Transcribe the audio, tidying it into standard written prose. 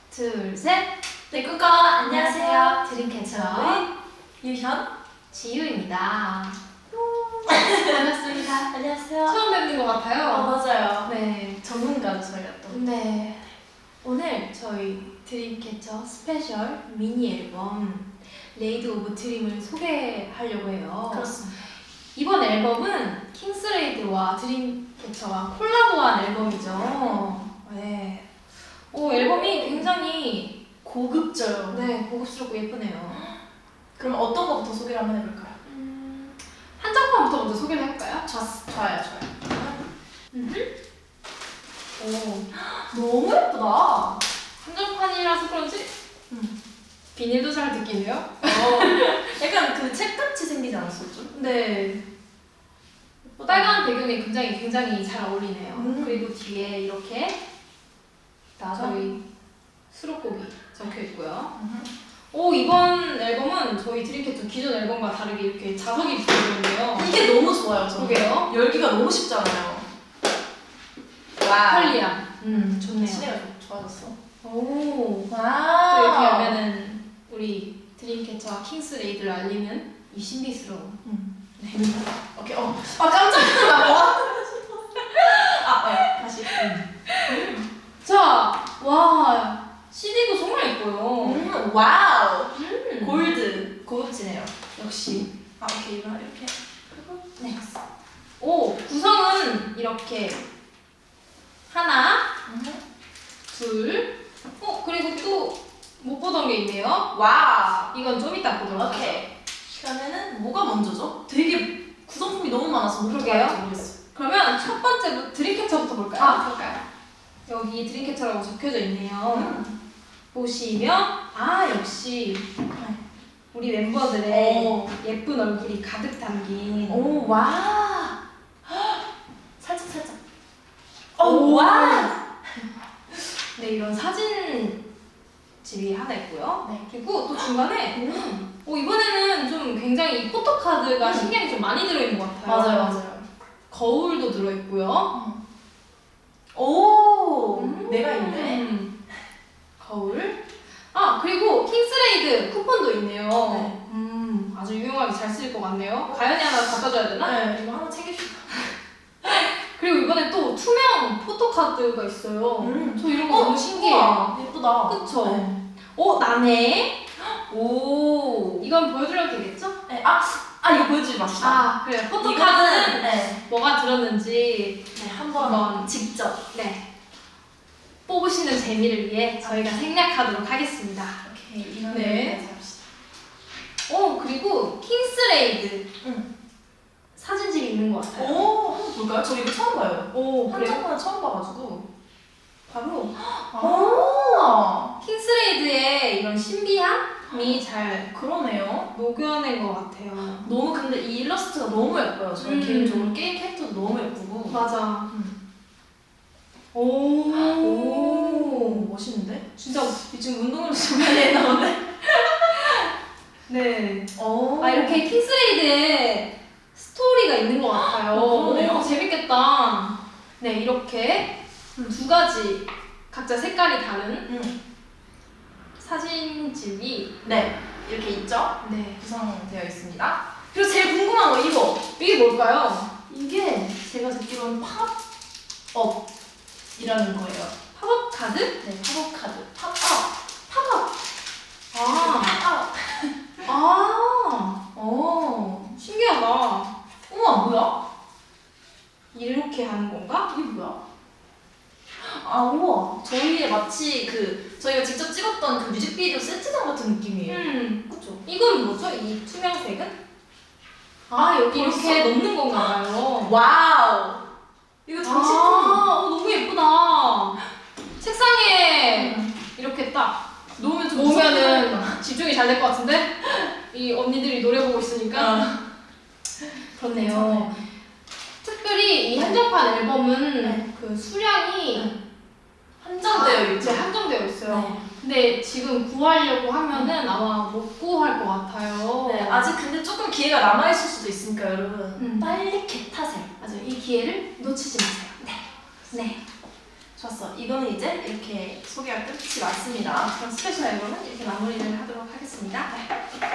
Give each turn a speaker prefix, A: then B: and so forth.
A: 둘, 셋!
B: 네, 꾸꺼 안녕하세요.
A: 드림캐쳐의
B: 유현.
A: 지유입니다. 반갑습니다.
B: 안녕하세요.
A: 처음 뵙는 것 같아요.
B: 맞아요.
A: 네.
B: 전문가죠, 저희가 또.
A: 네. 오늘 저희 드림캐쳐 스페셜 미니 앨범 레이드 오브 드림을 소개하려고 해요.
B: 그렇습니다.
A: 이번 앨범은 킹스레이드와 드림캐쳐가 콜라보한 앨범이죠. 네. 앨범이 굉장히
B: 고급져요.
A: 네, 고급스럽고 예쁘네요.
B: 그럼 어떤 것부터 소개를 한번 해볼까요?
A: 한정판부터 먼저 소개를 해볼까요?
B: 좋아요.
A: 너무 예쁘다. 한정판이라서 그런지 비닐도 잘 느끼네요.
B: 약간 그 책같이 생기지 않았어요, 좀?
A: 네. 빨간 배경에 굉장히 잘 어울리네요. 그리고 뒤에 이렇게 저희 수록곡이 적혀 있고요. 이번 앨범은 저희 드림캐쳐 기존 앨범과 다르게 이렇게 자석이 붙어있는데요.
B: 이게 너무 좋아요, 저는.
A: 그러게요.
B: 열기가 너무 쉽잖아요.
A: 편리함. 좋네요.
B: 시대가 좋아졌어.
A: 또
B: 와.
A: 이렇게 하면은 우리 드림캐쳐와 킹스레이드를 알리는 이 신비스러운. 네.
B: 오케이. 깜짝 놀랐다. 다시.
A: 자, 와, CD도 정말 예뻐요.
B: 와우. 골드. 고급지네요.
A: 역시.
B: 오케이. 이렇게.
A: 네. 구성은 이렇게 하나, 둘, 그리고 또 못 보던 게 있네요.
B: 와.
A: 이건 좀 이따 보도록 하죠.
B: 오케이. 그러면은 뭐가 먼저죠? 되게 구성품이 너무 많아서 뭐부터
A: 그러게요.
B: 할지 모르겠어요.
A: 그러면 첫 번째 드림캐쳐부터 볼까요?
B: 그럴까요?
A: 여기 드림캐쳐라고 적혀져 있네요. 보시면 역시 우리 멤버들의 예쁜 얼굴이 가득 담긴
B: 와. 살짝.
A: 와. 네, 이런 사진집이 하나 있고요.
B: 네.
A: 그리고 또 중간에 이번에는 좀 굉장히 포토카드가 신경이 좀 많이 들어있는 것 같아요.
B: 맞아요.
A: 거울도 들어있고요.
B: 내가 있네.
A: 거울. 그리고 킹스레이드 쿠폰도 있네요.
B: 네.
A: 아주 유용하게 잘 쓰일 것 같네요. 가연이 하나 갖다 줘야 되나?
B: 네, 이거 하나 챙깁시다.
A: 그리고 이번에 또 투명 포토카드가 있어요. 저 이런 거 너무 신기해요.
B: 우와, 예쁘다.
A: 그쵸?
B: 네.
A: 나네. 이건 보여드려도 되겠죠?
B: 네. 이거 보여주지 맙시다.
A: 그래요. 포토카드는
B: 네.
A: 뭐가 들었는지
B: 한번 직접.
A: 네, 뽑으시는 재미를 위해 저희가 생략하도록 하겠습니다.
B: 오케이. 이거는
A: 네.
B: 잡시다.
A: 그리고 킹스레이드 사진집이 있는 것 같아요.
B: 한번 볼까요? 저 이거 처음 봐요.
A: 그래요?
B: 한정판은 처음 봐가지고.
A: 바로
B: 아,
A: 킹스레이드의 이런 신비함이 잘
B: 그러네요.
A: 녹여낸 것 같아요.
B: 너무 근데 이 일러스트가 너무 예뻐요. 저는 개인적으로 게임 캐릭터도 너무 예쁘고.
A: 맞아.
B: 멋있는데?
A: 진짜
B: 지금 운동을 좀 많이 나오네.
A: 네.
B: 오.
A: 이렇게 킹스레이드에 스토리가 있는 것 같아요.
B: 그러네요.
A: 재밌겠다. 네, 이렇게 두 가지 각자 색깔이 다른 사진집이
B: 네, 이렇게 있죠?
A: 네.
B: 구성되어 있습니다. 그리고 제일 궁금한 거
A: 이게 뭘까요?
B: 이게 제가 듣기로는 팝업이라는 거예요.
A: 팝업 카드?
B: 네, 팝업 카드. 팝업.
A: 신기하다.
B: 우와, 뭐야?
A: 이렇게 하는 건가?
B: 이게 뭐야? 우와. 저희의 마치 저희가 직접 찍었던 그 뮤직비디오 세트장 같은 느낌이에요. 그쵸?
A: 이건 뭐죠? 이 투명색은? 여기
B: 벌써?
A: 이렇게 넣는 건가 봐요.
B: 와우. 이거 장식품.
A: 너무 예쁘다. 책상에 이렇게 딱
B: 놓으면 좀
A: 놓으면은 집중이 잘 될 것 같은데? 이 언니들이 노래 보고 있으니까. 그렇네요.
B: 괜찮아요.
A: 특별히 이 한정판 앨범은 그 수량이
B: 한정되어 있죠.
A: 한정되어 있어요.
B: 네.
A: 근데 지금 구하려고 하면은 아마 못 구할 것 같아요.
B: 네, 아직 근데 조금 기회가 남아있을 수도 있으니까 여러분
A: 음.
B: 빨리 개 타세요.
A: 맞아요. 이 기회를 놓치지 마세요. 네.
B: 좋았어. 이거는 이제 이렇게 소개가 끝이 났습니다.
A: 그럼 스페셜 앨범은 이렇게 마무리를 하도록 하겠습니다.